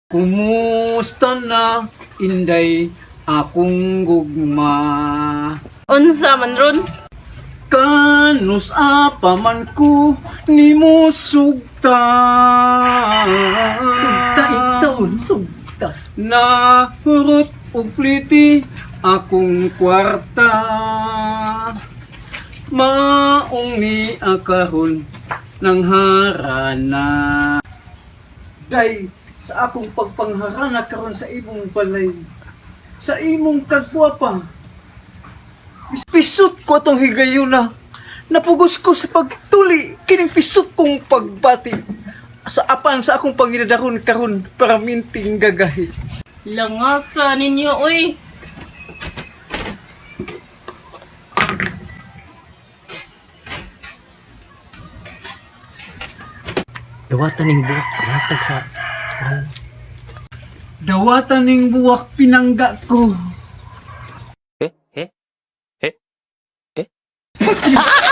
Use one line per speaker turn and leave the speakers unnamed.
Kumusta na, inday, akong gugma?
Unsa man ron?
Kanus apaman ko, ni mo sugta.
Sugta itaon, sugta.
Nahurot og pliti, akong kwarta. Maong ni akaron, ng harana. Day, sa akong pagpangharana karon sa imong balay, sa imong kagwapa. Pisot ko atong higayuna. Napugos ko sa pagtuli kining pisot kong pagbati. Sa apan sa akong pangidadaron karon para minting gagahi.
Langasa ninyo, uy.
Dawatan ning buhok, hatag sa...
Dawatan ning buwak pinangga ko.
Eh?